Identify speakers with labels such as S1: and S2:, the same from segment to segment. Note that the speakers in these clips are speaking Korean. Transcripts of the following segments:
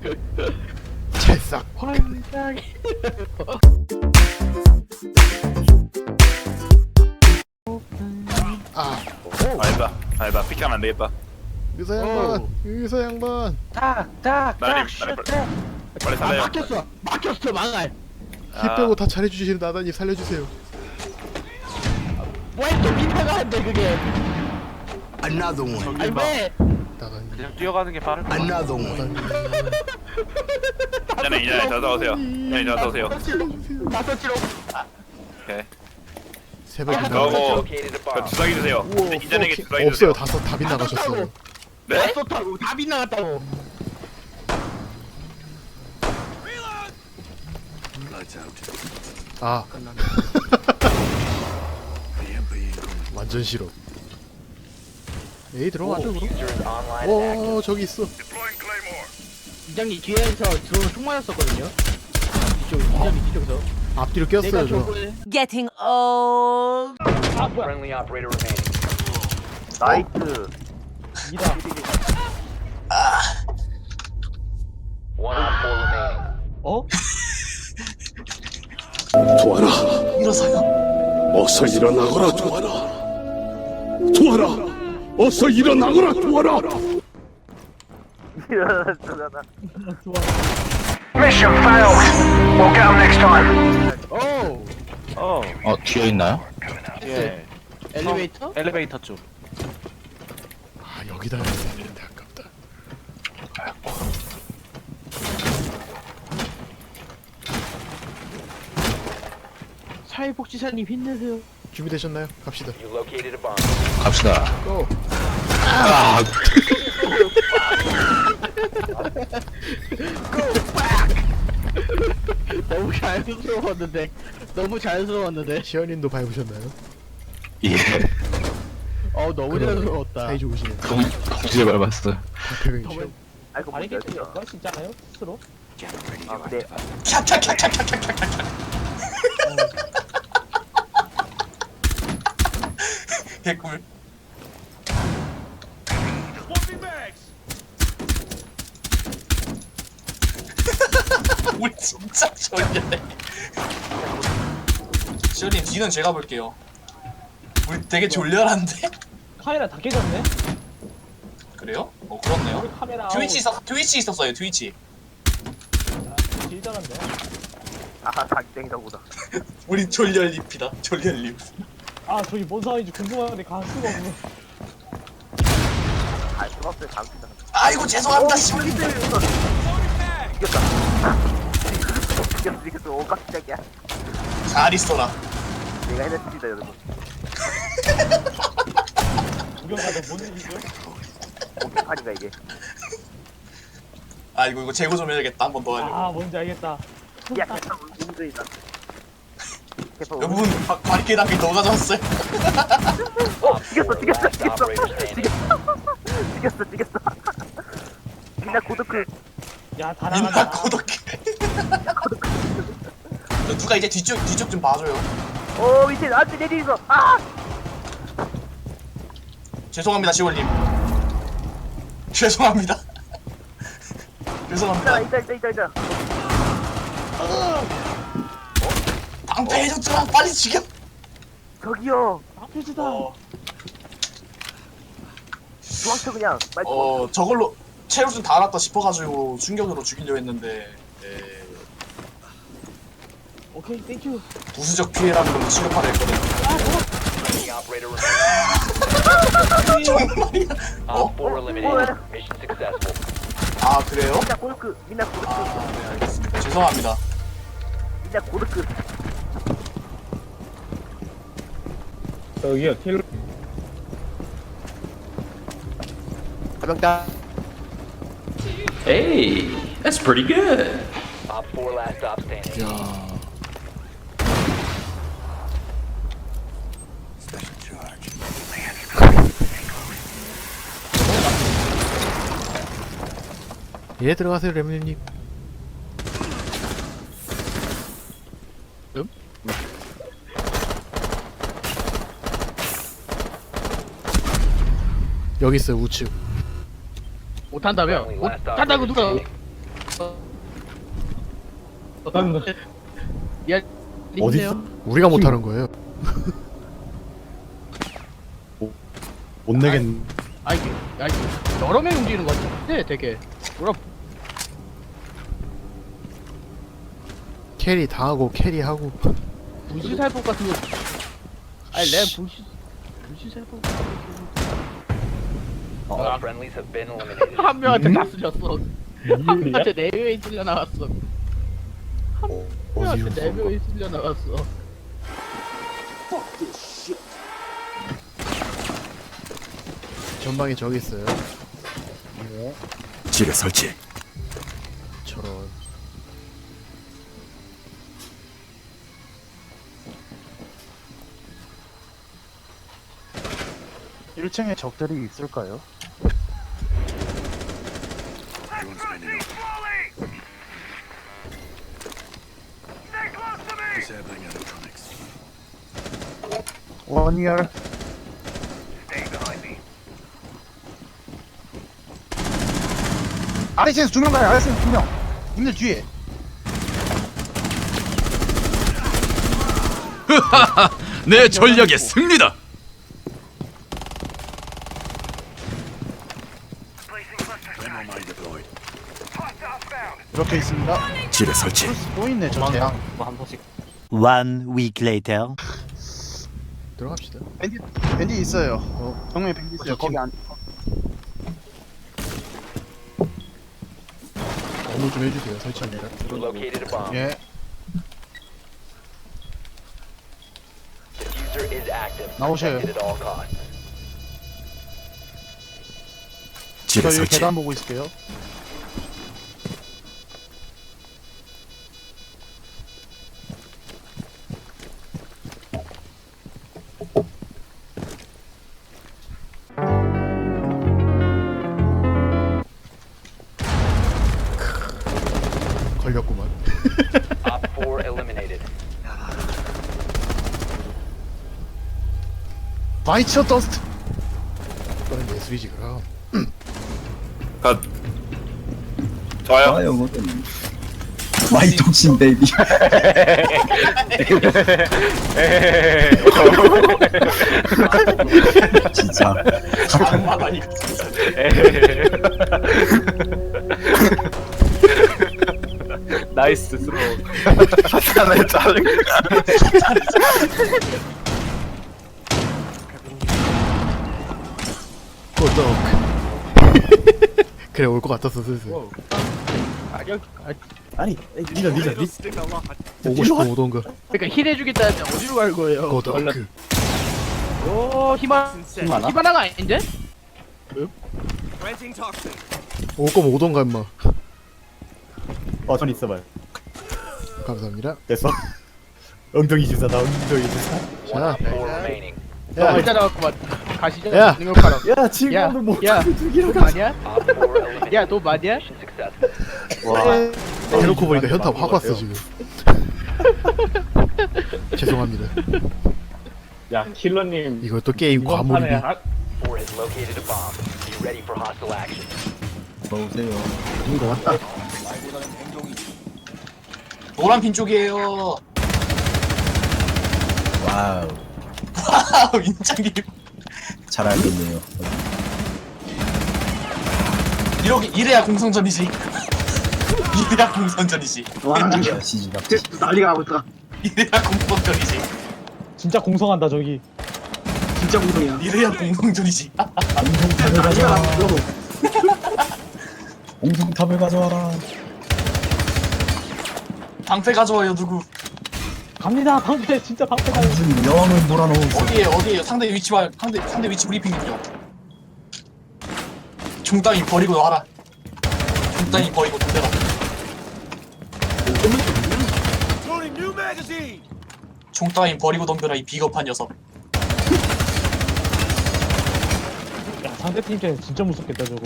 S1: 찰싹.
S2: 환장해.
S1: 아,
S3: 알바 픽하면 안 되겠다.
S1: 의사 양반, 의사 양반.
S2: 딱딱딱
S3: 나님,
S2: 슈트.
S3: 빨리
S2: 아
S3: 살려요.
S2: 막혔어 망할.
S1: 히 빼고 다 잘해주시는 나다님 살려주세요.
S2: 왜또 민타가 한대 그게?
S4: Another one.
S2: 아니 왜?
S1: 나다님.
S3: 그냥 뛰어가는 게 빠를 거.
S4: Another one.
S3: 이전에 저서 오세요. 이전에 저서 오세요.
S1: 살려주세요.
S2: 다섯 치로.
S3: 오케이.
S1: 새벽에
S3: 그거고 주사기 주세요. 이전에게 주사기
S1: 없어요.
S3: 주세요.
S1: 다섯 다 빗나가셨어요.
S3: 네?
S2: 다섯하고 다 빗나갔다고.
S1: 아, 완전 싫어. 에이 들어가죠 그럼. 오 저기 있어.
S2: 이장님 뒤에서 들어오는 총 맞았었거든요. 이장님 뒤쪽에서.
S1: 앞뒤로 꼈어요 저.
S5: Getting old.
S2: 아 뭐야?
S6: Friendly operator remaining.
S7: 나이스.
S2: 이다.
S6: One on four remaining.
S2: 어?
S8: 도와라. 일어서요. 어서 일어나거라 도와라. 도와라. 어서 일어나거라 도와라.
S7: 일어나잖아.
S6: Mission failed. We'll get them next time.
S2: 오.
S9: 뒤에 있나요?
S3: 예.
S2: 엘리베이터?
S3: 엘리베이터 쪽.
S1: 아 여기다 해야 되는데 아깝다.
S2: 사회복지사님 힘내세요.
S1: 준비되셨나요? 갑시다.
S6: You located a bomb.
S9: 갑시다.
S1: 고.
S9: 아,
S2: 너무 자연스러웠는데. 너무 자연스러웠는데.
S1: 시연님도 밟으셨나요?
S9: 예.
S2: 너무 자연스러웠다.
S1: 사이 좋으시네.
S9: 동시에 밟았어.
S1: 박태경이 시연.
S7: 아이고
S2: 바리게이트였어? 진짜요? 스스로?
S7: 아 근데
S4: 개꿀. 우리 진짜 졸려네. 시원님 뒤는 제가 볼게요. 우리 되게 졸려한데?
S2: 카메라 다 깨졌네?
S4: 그래요? 그렇네요.
S2: 우리 카메라
S4: 트위치 있었어요. 트위치.
S2: 길더란데.
S7: 아 닭땡이다 보다.
S4: 우리 졸려립이다. 졸려립.
S2: 아 저기 뭔 상황인지 궁금한데 갈 수가 없네.
S7: 아 수박들 감시다.
S4: 아이고 죄송합니다. 시원님.
S7: 이겼다. 이겼어. 오 깜짝이야.
S4: 잘 있어라.
S7: 내가 해냈습니다 여러분.
S2: 구경 가서 뭔 일이죠?
S7: 오판인가 이게.
S4: 아이고 이거 재고 좀 해야겠다. 한 번 더 하려고.
S2: 아 뭔지 알겠다.
S7: 야 개판 운전이다. 개판
S4: 여러분 바리케이드 한개 더 가져왔어요.
S7: 죽였어.
S6: Last operator standing.
S7: 죽였어. 민나 고도크.
S2: 야 다
S4: 민나
S2: 나간다.
S4: 고독해. 누가 이제 뒤쪽 좀 봐줘요.
S7: 오 밑에 나한테 내리서. 아.
S4: 죄송합니다 시월님. 죄송합니다. 죄송합니다.
S7: 있다.
S4: 방패해줬잖아. 빨리 죽여.
S7: 저기요.
S2: 아프지다.
S7: 중앙서 그냥. 빨리
S4: 저걸로 체력 좀 달았다 싶어가지고 충격으로 죽이려 했는데
S2: 오케이 땡큐.
S4: 부수적 피해라는 걸로 취급하려 했거든.
S6: Friendly operator remaining.
S4: 정말이야.
S6: Op 4 eliminated. Mission successful.
S4: 아 그래요?
S7: 민나 고도크.
S4: 네, 알겠습니다. 죄송합니다.
S7: 민나 고도크.
S2: 저기요 킬.
S10: Hey, that's pretty good.
S6: Op 4 last stop standing.
S1: 야. 예 들어가세요 레몬님. 여기 있어요 우측.
S2: 못한다며?
S6: Friendly last
S2: 못한다고
S6: operator
S2: 누가?
S6: standing.
S1: 어디 있어? 우리가 못하는 거예요. 못 내겠.
S2: 여러 명 움직이는 것 같은데 되게
S1: 캐리 당하고 캐리하고.
S2: 불시살법 같은 거. 아니 내가 불시살법
S6: All friendlies have been eliminated.
S2: 한 명한테 다 쓰셨어. 한 명한테 4명이 쓸려 나갔어. 한 명한테 4명이 쓸려 나갔어.
S1: 전방에 저기 있어요.
S8: 지뢰 설치.
S1: 저런.
S11: 아래층에서 2명 가요. 아래층에서 2명. 님들 뒤에.
S10: 내 전략의 승리다.
S11: 이렇게 있습니다.
S8: 지뢰 설치.
S11: 또 있네 저 재앙.
S5: One week later.
S1: 들어갑시다.
S11: 밴디 있어요. 정면에 밴디 있어요. 거기 안.
S1: 어느 좀 해주세요. 설치합니다.
S6: You located a bomb.
S11: 예.
S6: Diffuser is active.
S11: 나오셔요.
S6: Protected at all costs.
S8: 지뢰
S11: 저 여기
S8: 설치.
S11: 계단 보고 있을게요.
S1: 걸렸구만.
S6: Op 4 eliminated.
S1: 바이처 더스트. 이거는 예술이지 그럼.
S3: 컷. 좋아요.
S11: 마이 독신 베이비.
S4: 진짜 악마다 이거 진짜.
S3: 나이스 스로. 하나에 자른.
S1: 고독. 그래 올 것 같았어 슬슬.
S2: 아니
S1: 오고 싶어 오던가.
S2: 그러니까 힐 해주겠다는데 어디로 갈 거예요?
S1: 고독.
S2: 오 히바나가 아닌데?
S1: 올 거면 오던가 임마.
S2: 전 있어봐요.
S1: 감사합니다.
S2: 됐어. 엉덩이 주사다 엉덩이 주사.
S1: 자,
S6: Op 4 remaining.
S2: 야 일단 나왔구만. 가시죠.
S1: 야.
S2: 능력하라.
S11: 야 지금도 못
S2: 너 마냐?
S6: Op 4 eliminated.
S2: 야 너 마냐?
S6: Mission successful.
S1: 대놓고 보니까 현타 확 왔어 지금. 죄송합니다.
S2: 야 킬러님
S1: 이걸 또 게임 과몰입이.
S6: 4 has located a bomb. Be ready for hostile action.
S4: 노란 핀 쪽이에요.
S11: 와우.
S4: 와우 인장님.
S11: 잘 알겠네요.
S4: 이래야 공성전이지. 이래야 공성전이지.
S11: 난리가 나고 있다.
S4: 이래야 공성전이지.
S2: 진짜 공성한다 저기.
S11: 진짜 공성이야.
S4: 이래야 공성전이지.
S11: 난리가 나고 공성탑을 가져와라.
S4: 방패 가져와요 누구?
S2: 갑니다 방패 진짜 방패 가요.
S11: 무슨 여왕을 몰아넣어.
S4: 어디에요? 상대 위치 브리핑 좀. 종따위 버리고 와라. 종따위 버리고 덤벼라. 종따위 버리고 덤벼라 이 비겁한 녀석.
S2: 야 상대팀 입장에서 진짜 무섭겠다 저거.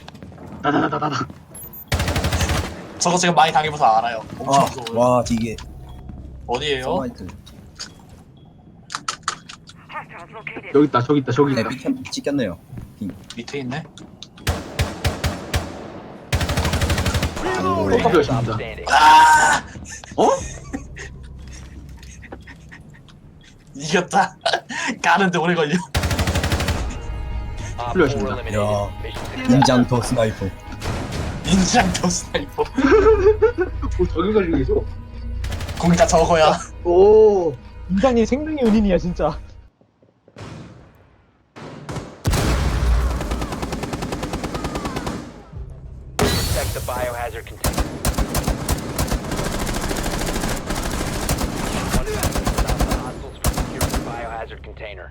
S4: 저거 제가 많이 당해봐서 알아요. 엄청 무서워요.
S11: 와 이게
S4: 어디에요?
S11: 저기 있다. 네, 밑에 찍혔네요.
S4: 밑에 있네.
S6: Stop standing.
S4: 이겼다. 가는데 오래 걸려.
S6: Op 4 eliminated. Mission successful.
S5: 인장터 스나이퍼.
S4: 인장도 스나이퍼.
S11: 저기 가지고 계셔.
S4: 거기 다 저거야.
S11: 오. 인장님 생명의 은인이야 진짜.
S6: Protect the biohazard container. One minute to stop the hostiles from securing the biohazard container.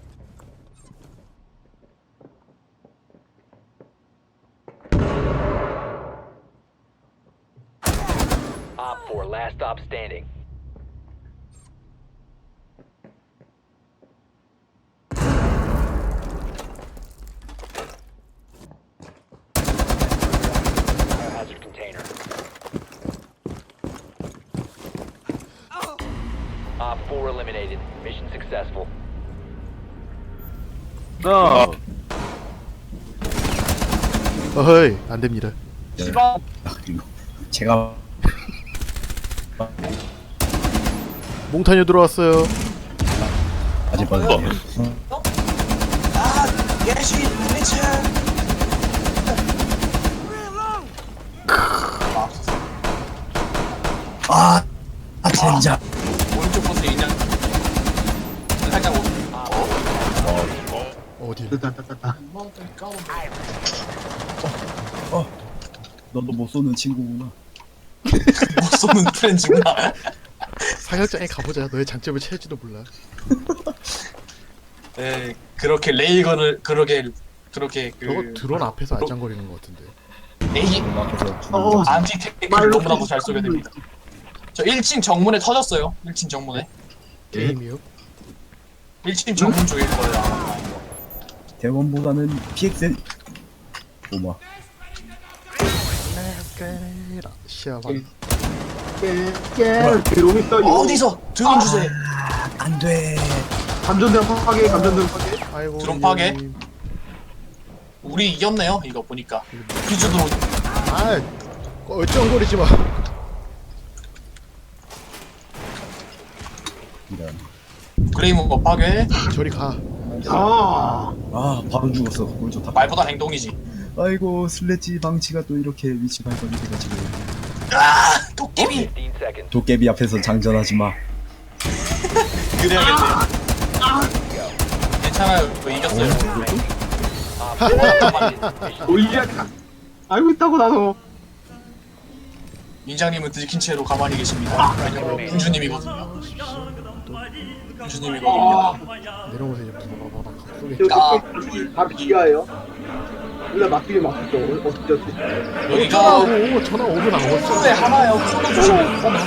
S6: Op 4, last stop standing. Biohazard container. Op 4 eliminated. Mission successful.
S1: 어허이 안 됩니다.
S5: 제가
S1: 몽타뉴 들어왔어요.
S5: 아직 빠졌네.
S4: 예시 리치.
S5: 젠장.
S4: 오른쪽 버스 인장. 살짝
S1: 어디?
S5: 너도 못 쏘는 친구구나.
S4: 못 쏘는 프렌즈구나.
S1: 사격장에 가보자. 너의 장점을 채울지도 몰라.
S4: 네, 그렇게 레이건을 그렇게
S1: 저거 드론 앞에서 안장거리는 것 같은데.
S4: 레이 안티 테크를 너무나도 잘 쏘게 됩니다. 저 1층 정문에 터졌어요. 1층 정문에.
S1: 게임이요?
S4: 1층 정문 쪽일 거예요. 아마.
S5: 대원보다는 PXN 오마.
S1: 시야방.
S11: 드론 있다.
S4: 어디서 드론 주세요.
S5: 안 돼.
S11: 감전대 파괴. 감전대 파괴.
S1: 아이고.
S4: 드론 파괴?
S1: 이년님.
S4: 우리 이겼네요. 이거 보니까. 퀴즈 드론.
S1: 아, 얼쩡거리지 마.
S5: 이런.
S4: 그레이먼 파괴.
S1: 저리 가.
S5: 바로 죽었어. 뭘 좋다.
S4: 말보다 행동이지.
S5: 아이고 슬래지 방치가 또 이렇게 위치 발견이 돼가지고.
S4: 도깨비.
S6: 15 seconds.
S5: 도깨비 앞에서 장전하지 마.
S4: 그래야겠네요. 괜찮아요. 저 이겼어요.
S6: Op 4 eliminated. Mission
S11: 오이야. 알고 있다고 나도.
S4: 민장님은 들킨 채로 가만히 계십니다. 왜냐면 군주님이거든요. 군주님이거든요.
S1: 내려오세요. 쏘게.
S11: 다 비가예요. 우리가 막히게 막혔죠. 어떻게
S4: 여기가
S1: 오, 전화 오고 나왔어.
S4: 코너에 하나요. 코너 조심해. 코너.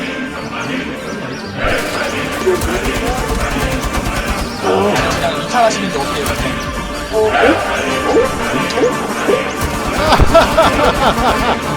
S4: 그냥 이탈하시는지 어떻게 해요?